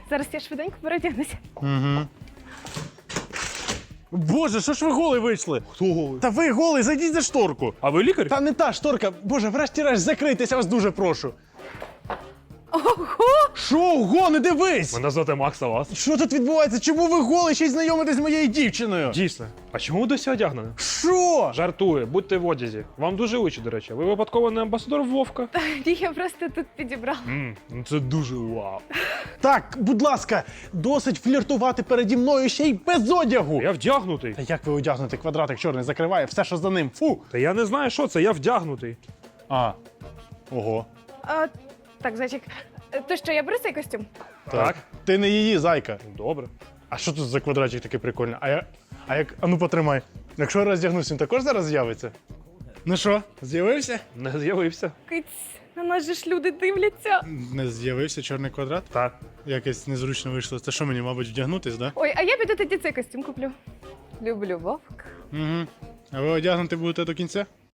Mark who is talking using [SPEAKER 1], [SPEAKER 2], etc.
[SPEAKER 1] Зараз я швиденько переодягнуся.
[SPEAKER 2] Угу. Боже, що ж ви голий вийшли?
[SPEAKER 3] Хто голий?
[SPEAKER 2] Та ви голий, зайдіть за шторку.
[SPEAKER 3] А ви лікар?
[SPEAKER 2] Та не та шторка. Боже, врешті-решт, закрийтеся, вас дуже прошу.
[SPEAKER 1] Ого!
[SPEAKER 2] Що, ого, не дивись!
[SPEAKER 3] Мене звати Макс, а вас?
[SPEAKER 2] Що тут відбувається? Чому ви голий ще й знайомитесь з моєю дівчиною?
[SPEAKER 3] Дійсно. А чому ви досі одягнені?
[SPEAKER 2] Що?
[SPEAKER 3] Жартую, будьте в одязі. Вам дуже учить, до речі. Ви випадково не амбасадор Вовка?
[SPEAKER 1] Ні, я просто тут підібрала.
[SPEAKER 3] Ну це дуже вау.
[SPEAKER 2] Так, будь ласка, досить фліртувати переді мною ще й без одягу.
[SPEAKER 3] Я вдягнутий.
[SPEAKER 2] Та як ви одягнути? Квадратик чорний закриває все, що за ним. Фу!
[SPEAKER 3] Та я не знаю, що це, я вдягнутий.
[SPEAKER 2] А, ого.
[SPEAKER 1] Так, зайчик, то що, я беру цей костюм?
[SPEAKER 3] Так.
[SPEAKER 2] Ти не її, зайка.
[SPEAKER 3] Добре.
[SPEAKER 2] А що тут за квадратик такий прикольний? А ну потримай. Якщо я роздягнусь, він також зараз з'явиться? Ну що, з'явився?
[SPEAKER 3] Не з'явився.
[SPEAKER 1] Киць, на нас же ж люди дивляться.
[SPEAKER 2] Не з'явився чорний квадрат?
[SPEAKER 3] Так.
[SPEAKER 2] Якось незручно вийшло. Це що мені, мабуть, вдягнутись, да?
[SPEAKER 1] Ой, а я піду тоді цей костюм куплю. Люблю вовк.
[SPEAKER 2] Угу. А ви одягнути будете до кінця?